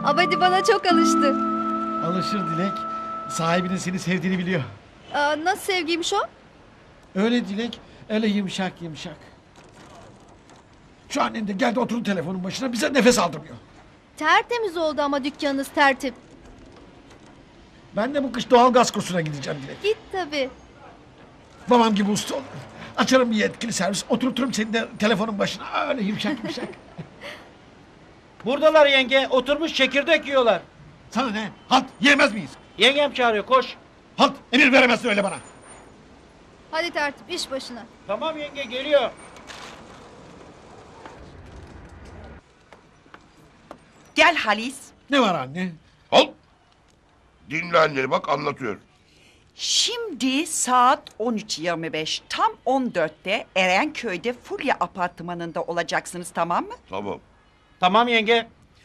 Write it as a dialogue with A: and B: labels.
A: Abadi bana çok alıştı.
B: Alışır Dilek. Sahibinin seni sevdiğini biliyor.
A: Nasıl sevgiymiş o?
B: Öyle Dilek. Öyle yumuşak yumuşak. Şu annen de geldi oturdu telefonun başına bize nefes aldırmıyor.
A: Tertemiz oldu ama dükkanınız tertip.
B: Ben de bu kış doğal gaz kursuna gideceğim Dilek.
A: Git tabii.
B: Babam gibi usta olurum. Açarım bir yetkili servis. Oturturum seni de telefonun başına. Öyle yumuşak yumuşak.
C: Buradalar yenge. Oturmuş çekirdek yiyorlar.
B: Sana ne? Halt yiyemez miyiz?
C: Yengem çağırıyor, koş.
B: Halt emir veremezsin öyle bana.
A: Hadi tertip iş başına.
C: Tamam yenge, geliyor.
D: Gel Halis.
B: Ne var anne?
E: Al. Dinle anneni bak anlatıyor.
D: Şimdi saat 13.25. Tam 14'te Erenköy'de Fulya apartmanında olacaksınız, tamam mı?
E: Tamam.
C: Tamam yenge.